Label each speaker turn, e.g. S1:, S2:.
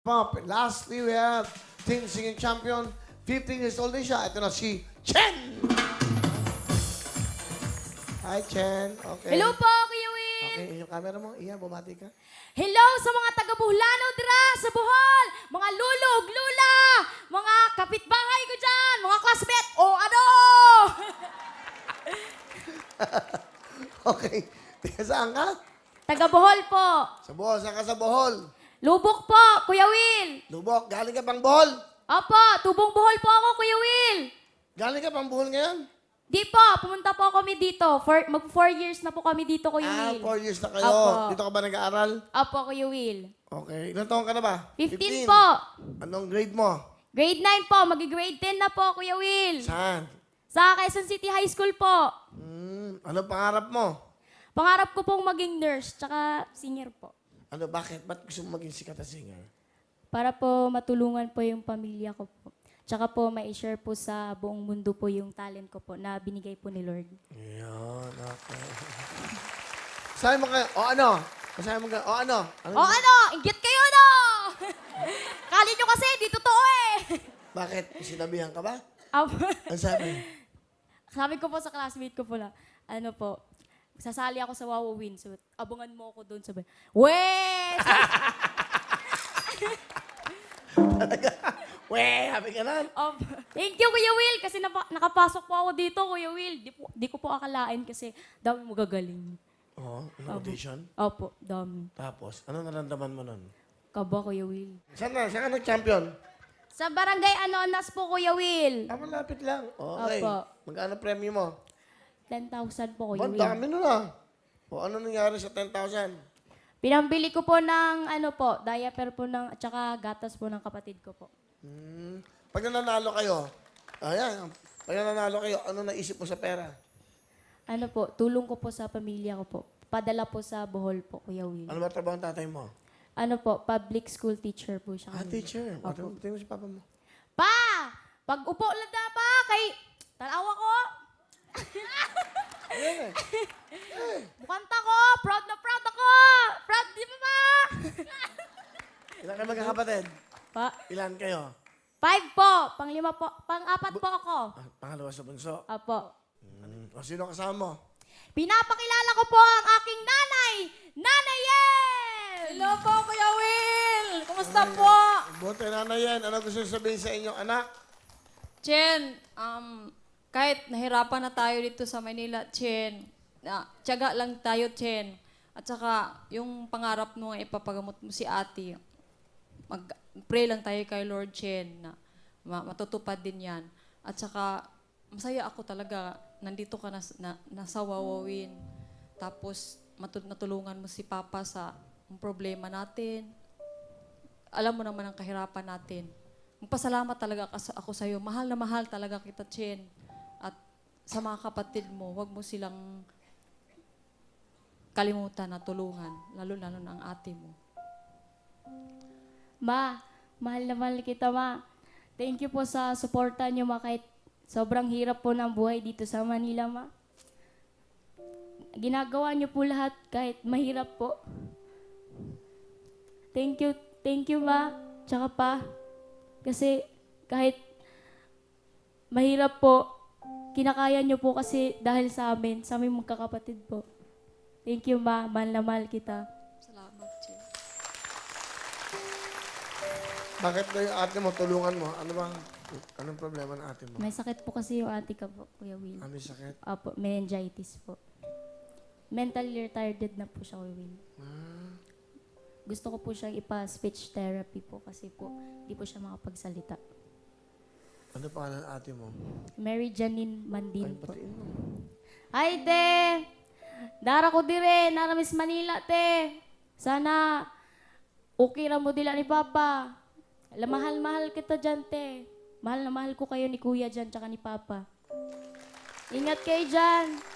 S1: Pop. Lastly, we have Teen Singing Champion. 15 years old din siya. Ito na si Chen! Hi, Chen. Okay.
S2: Hello po, Kuya Will.
S1: Okay, yung camera mo. Iyan, bumati ka.
S2: Hello sa mga taga-Buhlano dira sa Bohol, mga lulog, lula, mga kapitbahay ko dyan, mga classmate, o ano?
S1: Okay. Teka, saan ka?
S2: Taga-Bohol po.
S1: Sa Bohol. Saan ka sa Bohol?
S2: Lubok po, Kuya Will.
S1: Lubok. Galing ka pang Bohol?
S2: Opo, tubong Bohol po ako, Kuya Will.
S1: Galing ka pang Bohol ngayon?
S2: Di po, pumunta po kami dito. Mag 4 years na po kami dito, Kuya Will.
S1: 4 years na kayo.
S2: Opo.
S1: Dito ka ba nag-aaral?
S2: Opo, Kuya Will.
S1: Okay. Ilan taon ka na ba?
S2: 15 po.
S1: Anong grade mo?
S2: Grade 9 po, mag-grade 10 na po, Kuya Will.
S1: Saan?
S2: Sa Quezon City High School po.
S1: Anong pangarap mo?
S2: Pangarap ko pong maging nurse, tsaka singer po.
S1: Ano, bakit? Ba't gusto mo maging sikat na singer?
S2: Para po matulungan po yung pamilya ko po. Tsaka po ma-share po sa buong mundo po yung talent ko po na binigay po ni Lord.
S1: Ayan, okay. Sabi mo kayo, o ano? Sabi mo kayo, o ano?
S2: O ano? Inggit kayo, no? Kali nyo kasi, di totoo eh.
S1: Bakit? Sinabihan ka ba?
S2: Apo.
S1: Ano sabi?
S2: Sabi ko po sa classmate ko po na, ano po, sasali ako sa Wawa Win. So, abangan mo ako doon. Sabi, weh!
S1: Weh, happy ka na?
S2: Thank you, Kuya Will, kasi nakapasok po ako dito, Kuya Will. Di ko po akalain kasi dami magagaling.
S1: Oo, audition.
S2: Opo, dami.
S1: Tapos, ano naramdaman mo nun?
S2: Kaba, Kuya Will.
S1: Saan ka nag-champion?
S2: Sa barangay Anonas po, Kuya Will.
S1: Malapit lang. Okay.
S2: Opo.
S1: Magkano premyo mo?
S2: 10,000 po,
S1: Ba,
S2: Kuya Will.
S1: dami nun ah. O ano nangyari sa 10,000?
S2: Pinambili ko po ng, ano po, diaper po ng, at saka gatas po ng kapatid ko po.
S1: Pag nanalo kayo, pag nanalo kayo, ano naisip mo sa pera?
S2: Ano po, tulong ko po sa pamilya ko po. Padala po sa Bohol po, Kuya Will.
S1: Ano ba trabaho ng tatay mo?
S2: Ano po, public school teacher po siya.
S1: Teacher.
S2: Opo.
S1: Tingnan mo si papa mo.
S2: Pa! Pag upo lang na pa, kay tanawa ko. Bukanta ko, proud na proud ako. Proud di ba pa?
S1: Ilan kayo magkakapatid?
S2: Pa,
S1: Ilan kayo?
S2: 5 po, pang-5 po, pang-4 po ako.
S1: Pangalawa sa bunso.
S2: Apo.
S1: O sino kasama mo?
S2: Pinapakilala ko po ang aking nanay, Nanay Yen!
S3: Hello po, Kuya Will! Kumusta po?
S1: Buti na yan. Ano gusto sabihin sa inyong anak?
S3: Chen, kahit nahirapan na tayo dito sa Manila, Chen, tiyaga lang tayo, Chen. At saka, yung pangarap mo, ipapagamot mo si ate, mag-pray lang tayo kay Lord Chen na matutupad din yan. At saka, masaya ako talaga, nandito ka nasa Wawawin. Tapos, natulungan mo si Papa sa problema natin. Alam mo naman ang kahirapan natin. Magpasalamat talaga ako sa iyo. Mahal na mahal talaga kita, Chen. At sa mga kapatid mo, huwag mo silang kalimutan na tulungan. Lalo-lalo na ang ate mo.
S2: Ma, mahal na mahal kita, Ma. Thank you po sa suporta niyo, Ma, kahit sobrang hirap po ng buhay dito sa Manila, Ma. Ginagawa niyo po lahat kahit mahirap po. Thank you, Ma. Tsaka pa, kasi kahit mahirap po, kinakaya niyo po kasi dahil sa amin magkakapatid po. Thank you, Ma. Mahal na mahal kita.
S3: Salamat, Chen.
S1: Bakit daw yung ate mo, tulungan mo? Anong problema ng ate mo?
S2: May sakit po kasi yung ate ko po, Kuya Will.
S1: Ano yung sakit?
S2: Apo, meningitis po. Mentally retarded na po siya, Kuya Will. Gusto ko po siyang ipa-speech therapy po kasi po di po siya makapagsalita.
S1: Ano pangalan ng ate mo?
S2: Mary Janine Mandin po.
S1: Batiin mo.
S2: Ay, te! Dara ko dire, nara Miss Manila, te. Sana okay ra mo dila ni Papa. Mahal-mahal kita dyan, te. Mahal na mahal ko kayo ni Kuya dyan, tsaka ni Papa. Ingat kayo dyan.